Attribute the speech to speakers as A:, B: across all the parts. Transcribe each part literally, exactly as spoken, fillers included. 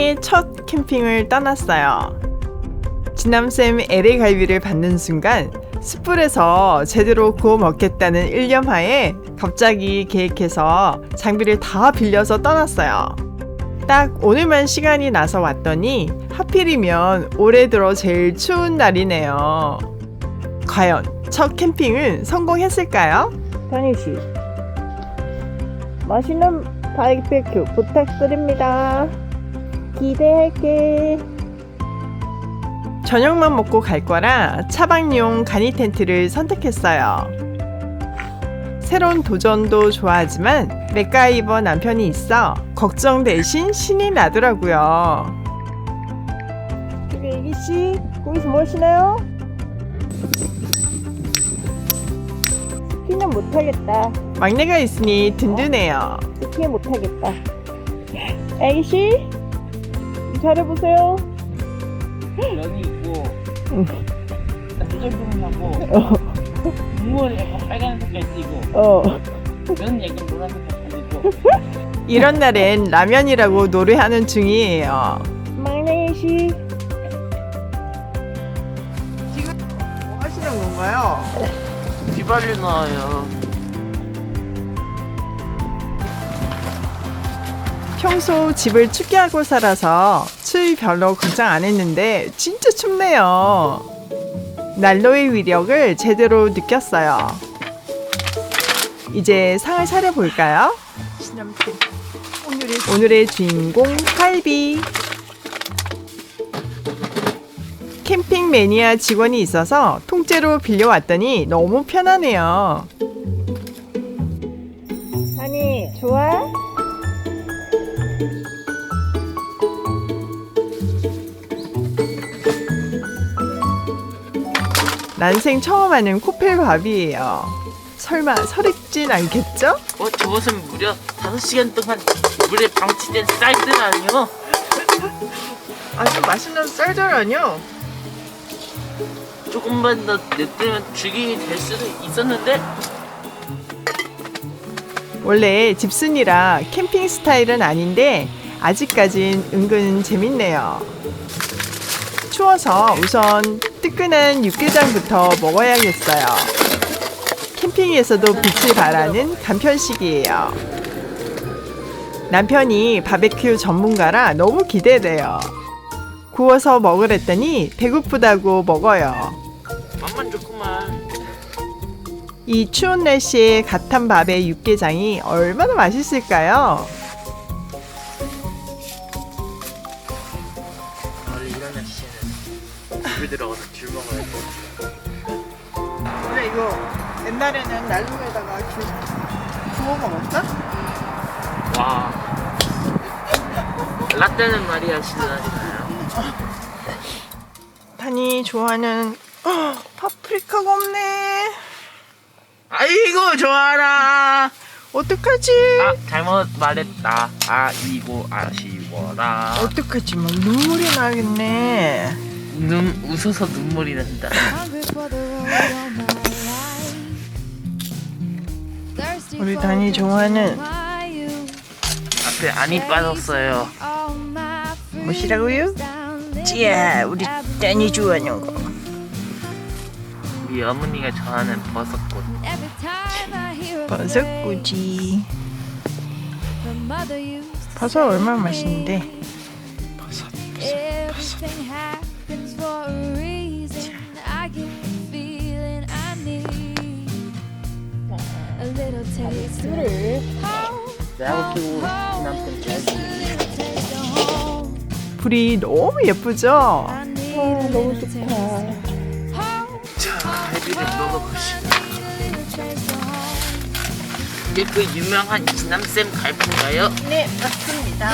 A: 인생의 첫 캠핑을 떠났어요. 진남쌤 엘에이 갈비를 받는 순간 숯불에서 제대로 구워 먹겠다는 일념하에 갑자기 계획해서 장비를 다 빌려서 떠났어요. 딱 오늘만 시간이 나서 왔더니 하필이면 올해 들어 제일 추운 날이네요. 과연 첫 캠핑은 성공했을까요?
B: 다니씨, 맛있는 바이베큐 부탁드립니다. 기대할게.
A: 저녁만 먹고 갈 거라 차박용 간이 텐트를 선택했어요. 새로운 도전도 좋아하지만 맥가이버 남편이 있어 걱정 대신 신이 나더라고요.
B: 저기 애기씨, 거기서 뭐 하시나요? 스키는 못하겠다.
A: 막내가 있으니 든든해요.
B: 스키 못하겠다. 애기씨, 잘해보세요.
C: 면이 있고
B: 응.
C: 두절두절하고
B: 어,
C: 국물은 약간 빨간 색깔 띠고
B: 어.
C: 면은 약간 노란 색깔 띠고
A: 이런 날엔 라면이라고 노래하는 중이에요.
B: 막내 애기씨,
A: 지금 뭐 하시는 건가요?
C: 비발리 나와요.
A: 평소 집을 춥게 하고 살아서 추위 별로 걱정 안 했는데 진짜 춥네요. 난로의 위력을 제대로 느꼈어요. 이제 상을 차려볼까요? 오늘의, 오늘의 주인공 갈비. 캠핑 매니아 직원이 있어서 통째로 빌려왔더니 너무 편하네요.
B: 다니, 좋아?
A: 난생 처음 하는 코펠밥이에요. 설마 설익진 않겠죠?
C: 어, 저것은 무려 다섯 시간 동안 물에 방치된 쌀들 아니요?
A: 아주 맛있는 쌀절아니요?
C: 조금만 더 냅두면 죽임이 될 수도 있었는데
A: 원래 집순이라 캠핑 스타일은 아닌데 아직까진 은근 재밌네요. 추워서 우선 뜨끈한 육개장부터 먹어야겠어요. 캠핑에서도 빛을 발하는 간편식이에요. 남편이 바베큐 전문가라 너무 기대돼요. 구워서 먹으랬더니 배고프다고 먹어요.
C: 맛만 좋구만.
A: 이 추운 날씨에 갓 한 밥에 육개장이 얼마나 맛있을까요?
C: 원래 이런 날씨에는 집에 들어가서 귤 먹어야 돼.
A: 원래 이거 옛날에는 난로에다가 귤 구워 먹었어?
C: 와. 라떼는 말이야 시원하잖아요.
A: 단이 좋아하는 어, 파프리카가 없네.
C: 아이고 좋아라.
A: 어떡하지?
C: 아 잘못 말했다. 아이고 아쉬워라.
A: 어떡하지? 막 눈물이 나겠네.
C: 눈 웃어서 눈물이 난다.
A: 우리 단이 좋아하는
C: 앞에 안이 빠졌어요.
A: 뭐시라고요? 찌야, 우리 단이 좋아하는 거.
C: 우리 어머니가 좋아하는 버섯꽃.
A: 버섯꾸지. 버섯 얼마나 맛있는데. 버섯, 버섯, 버섯.
B: 술을.
C: 내가 키고 남편 잘.
A: 불이 너무 예쁘죠?
B: 아, 너무 좋다.
C: 자, 갈비를 먹어보시다. 이게 그 유명한 진남쌤 갈비인가요?
A: 네, 맞습니다.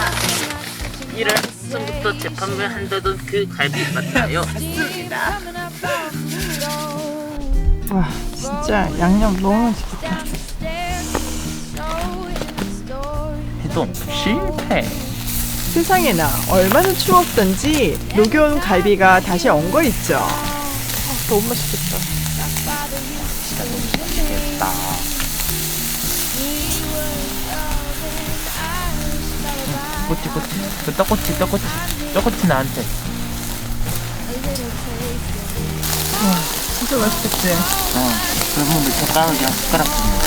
C: 일월부터 재판을 한다던 그 갈비 맞나요?
A: 맞습니다. 와, 진짜 양념 너무 좋다.
C: 해동 실패.
A: 세상에나 얼마나 추웠던지 녹여온 갈비가 다시 엉거 있죠. 아, 너무 맛있겠다.
C: 진짜 너무 맛있겠다. 꼬치 꼬치 그 떡꼬치 떡꼬치 떡꼬치 나한테.
A: 진짜 맛있겠지?
C: 어 그러면 몇 젓가락 그냥 숟가락 주네.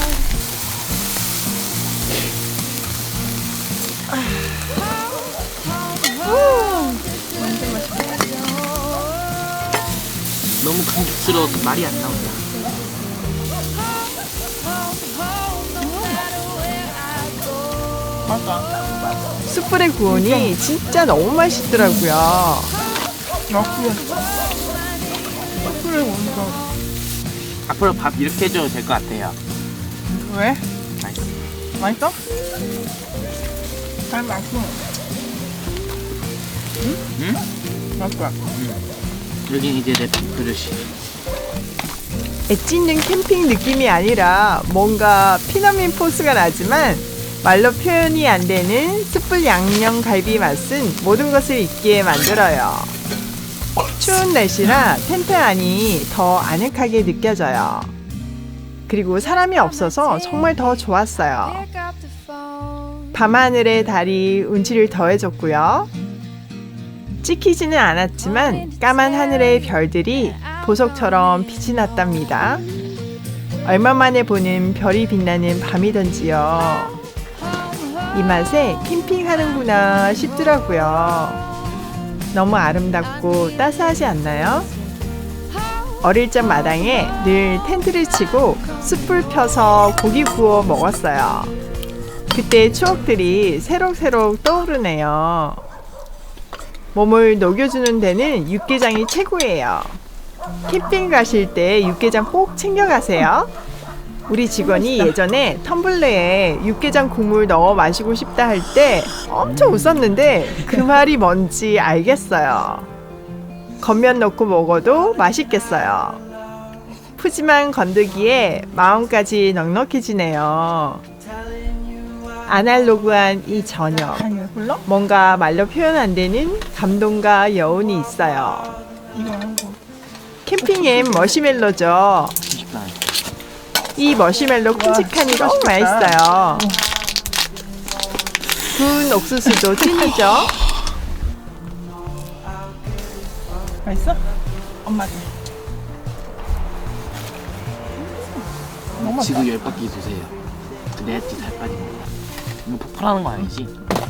A: 완전 맛있겠다.
C: 너무 감격스러워서 말이 안 나온다.
A: 맞아. 숯불에 구우니 진짜 너무 맛있더라고요. 맛있겠어. 숯불에 구우니까.
C: 앞으로 밥 이렇게 해줘도 될 것 같아요.
A: 왜?
C: 맛있어.
A: 맛있어? 잘 맛있어.
C: 응?
A: 맛있어.
C: 여긴 이제 내 그릇이.
A: 엣지 있는 캠핑 느낌이 아니라 뭔가 피너민 포스가 나지만 말로 표현이 안 되는 숯불 양념 갈비 맛은 모든 것을 잊게 만들어요. 추운 날씨라 텐트 안이 더 아늑하게 느껴져요. 그리고 사람이 없어서 정말 더 좋았어요. 밤하늘의 달이 운치를 더해줬고요. 찍히지는 않았지만 까만 하늘의 별들이 보석처럼 빛이 났답니다. 얼마 만에 보는 별이 빛나는 밤이던지요. 이 맛에 캠핑하는구나 싶더라고요. 너무 아름답고 따스하지 않나요? 어릴 적 마당에 늘 텐트를 치고 숯불 펴서 고기 구워 먹었어요. 그때의 추억들이 새록새록 떠오르네요. 몸을 녹여주는 데는 육개장이 최고예요. 캠핑 가실 때 육개장 꼭 챙겨가세요. 우리 직원이 예전에 텀블러에 육개장 국물 넣어 마시고 싶다 할 때 엄청 웃었는데 그 말이 뭔지 알겠어요. 겉면 넣고 먹어도 맛있겠어요. 푸짐한 건더기에 마음까지 넉넉해지네요. 아날로그한 이 저녁, 뭔가 말로 표현 안 되는 감동과 여운이 있어요. 캠핑엔 머시멜로죠. 이 머시멜로 큼직하니 너무 맛있어요. 구운 옥수수도 찐이죠. 맛있어? 엄마도.
C: 지구 열 바퀴 도세요. 내 뒤 살 빠지는 거. 이거 폭발하는 거 아니지?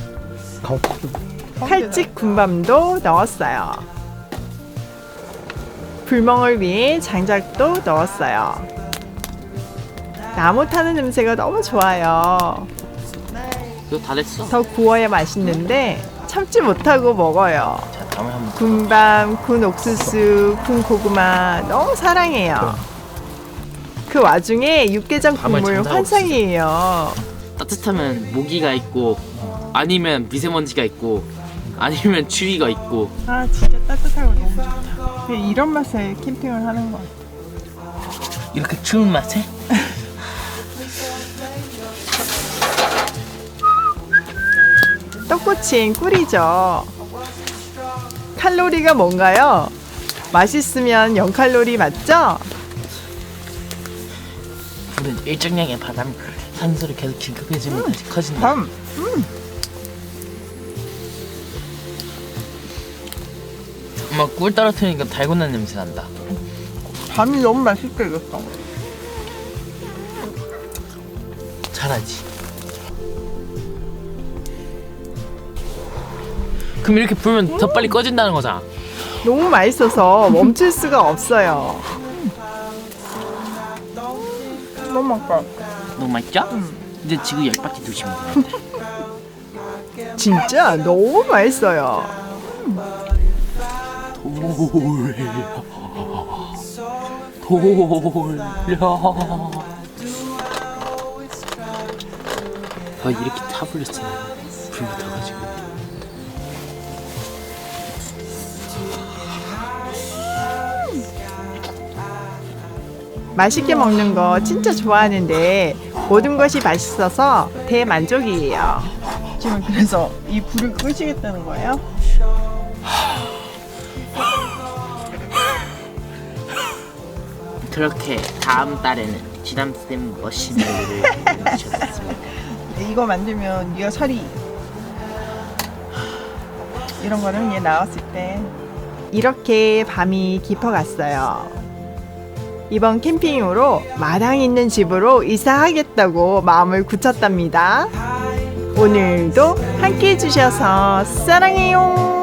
A: 칼집 군밤도 넣었어요. 불멍을 위해 장작도 넣었어요. 나무 타는 냄새가 너무 좋아요.
C: 그거 다 됐어.
A: 더 구워야 맛있는데 참지 못하고 먹어요.
C: 자, 다음에 한번.
A: 군밤, 군 옥수수, 군 고구마 너무 사랑해요. 그 와중에 육개장
C: 밤을
A: 국물
C: 잠자고
A: 환상이에요.
C: 따뜻하면 모기가 있고, 아니면 미세먼지가 있고, 아니면 추위가 있고.
A: 아 진짜 따뜻하고 너무 좋다. 그냥 이런 맛에 캠핑을 하는 거 같아.
C: 이렇게 추운 맛에?
A: 떡꼬치엔 꿀이죠. 칼로리가 뭔가요? 맛있으면 영 칼로리 맞죠?
C: 우린 일정량의 바람 산소를 계속 진급해주면 음, 다시 커진다.
A: 밤. 음.
C: 엄마 꿀 떨어뜨리니까 달고나 냄새 난다.
A: 밤이 너무 맛있게 익었어.
C: 잘하지. 그럼 이렇게 불면 더 빨리 꺼진다는 거잖아.
A: 너무 맛있어서 멈출 수가 없어요. 너무 맛있어.
C: 너무 맛있죠?
A: 음.
C: 이제 지구 열 바퀴 두시면 되는데.
A: 진짜 너무 맛있어요.
C: 돌려 돌려. 아 이렇게 타블렸어. 불 붙어가지고.
A: 맛있게 먹는 거 진짜 좋아하는데 모든 것이 맛있어서 대만족이에요. 지금 그래서 이 불을 끄시겠다는 거예요?
C: 그렇게 다음 달에는 쥐담쌤 머시멜로를 만드셨습니다.
A: 이거 만들면 네가 살이 이런 거는 얘 나왔을 때. 이렇게 밤이 깊어갔어요. 이번 캠핑으로 마당 있는 집으로 이사하겠다고 마음을 굳혔답니다. 오늘도 함께 해주셔서 사랑해요.